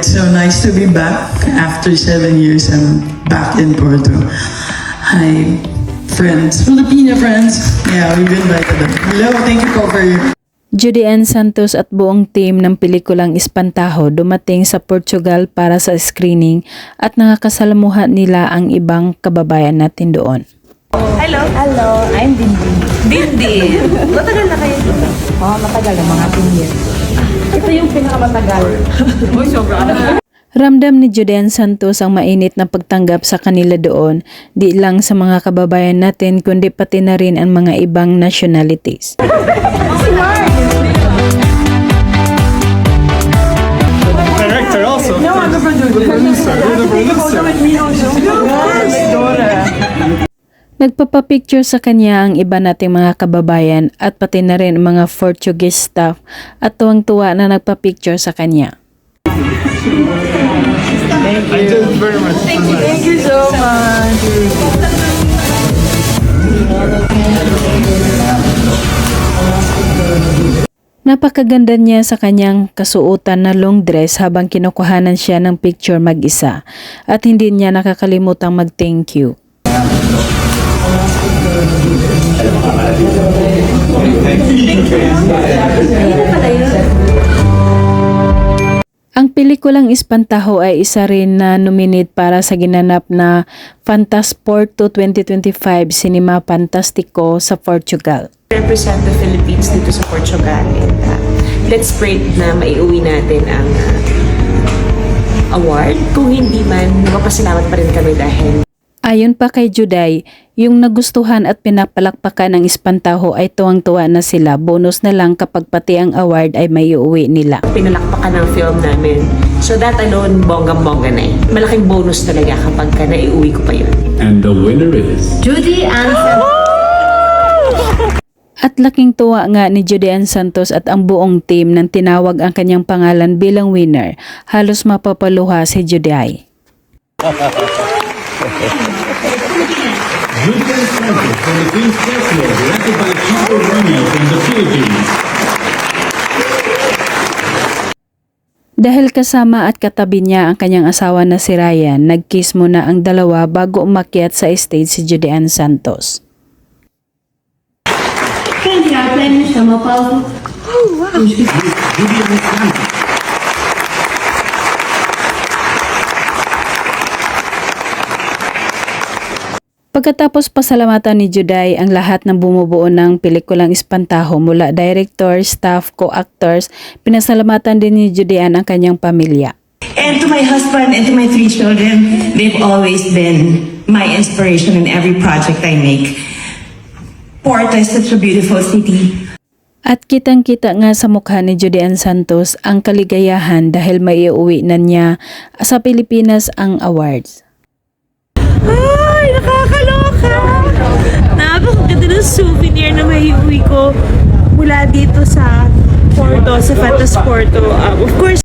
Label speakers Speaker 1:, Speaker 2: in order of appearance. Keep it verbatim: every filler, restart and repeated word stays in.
Speaker 1: It's so nice to be back. After seven years, I'm back in Porto. Hi, friends, Filipino friends. Yeah, we've invited them. Hello, thank you po for your...
Speaker 2: Judy Ann Santos at buong team ng pelikulang Espantaho dumating sa Portugal para sa screening at nakakasalamuha nila ang ibang kababayan natin doon.
Speaker 3: Hello. Hello. I'm Dindin. Dindin. Matagal na kayo dito? Oo, oh, matagal. Mga ten years. Ito yung pinakamatagal. Uy, sobra.
Speaker 2: Ramdam ni Judy Ann Santos ang mainit na pagtanggap sa kanila doon, di lang sa mga kababayan natin kundi pati na rin ang mga ibang nationalities.
Speaker 4: Director also. No, I'm the producer. You're the producer.
Speaker 2: Nagpapapicture sa kanya ang iba nating mga kababayan at pati na rin mga Portuguese staff at tuwang-tuwa na nagpapicture sa kanya.
Speaker 4: Thank you. Very much.
Speaker 3: Thank you. Thank you so much.
Speaker 2: Napakaganda niya sa kanyang kasuotan na long dress habang kinukuhanan siya ng picture mag-isa at hindi niya nakakalimutang mag-thank you. Ang pelikulang Espantaho ay isa rin na nominate para sa ginanap na Fantasporto twenty twenty-five Cinema Fantastico sa Portugal.
Speaker 5: Represent the Philippines dito sa Portugal and uh, let's pray na maiuwi natin ang uh, award. Kung hindi man, magpasalamat pa rin kami dahil
Speaker 2: ayon pa kay Juday, yung nagustuhan at pinapalakpakan ng Espantaho ay tuwang-tuwa na sila. Bonus na lang kapag pati ang award ay may uuwi nila.
Speaker 5: pinalakpakan ng film namin. So that alone, bonggang-bongga na eh. Malaking bonus talaga kapag ka naiuwi ko pa yun.
Speaker 6: And the winner is...
Speaker 3: Judy Ann Santos.
Speaker 2: At laking tuwa nga ni Judy Ann Santos at ang buong team nang tinawag ang kanyang pangalan bilang winner. Halos mapapaluha si Juday.
Speaker 6: Judy Ann Santos from the Queen's Castle, directed by Chico Ramos from the Philippines.
Speaker 2: Dahil kasama at katabi niya ang kanyang asawa na si Ryan, nag-kiss muna ang dalawa bago umakyat sa stage si Judy Ann Santos.
Speaker 6: Judy Ann Santos.
Speaker 2: Pagkatapos pasalamatan ni Juday ang lahat ng bumubuo ng pelikulang Espantaho mula director, staff, co-actors, pinasalamatan din ni Judy Ann ang kanyang pamilya.
Speaker 7: And to my husband and to my three children, they've always been my inspiration in every project I make. Porto is such a beautiful city.
Speaker 2: At kitang-kita nga sa mukha ni Judy Ann Santos ang kaligayahan dahil maiuwi na niya sa Pilipinas ang awards.
Speaker 3: Ay, nakakaloka! Napakaganda ng souvenir na maiuwi ko mula dito sa Porto, sa Fantasporto. Um, of course,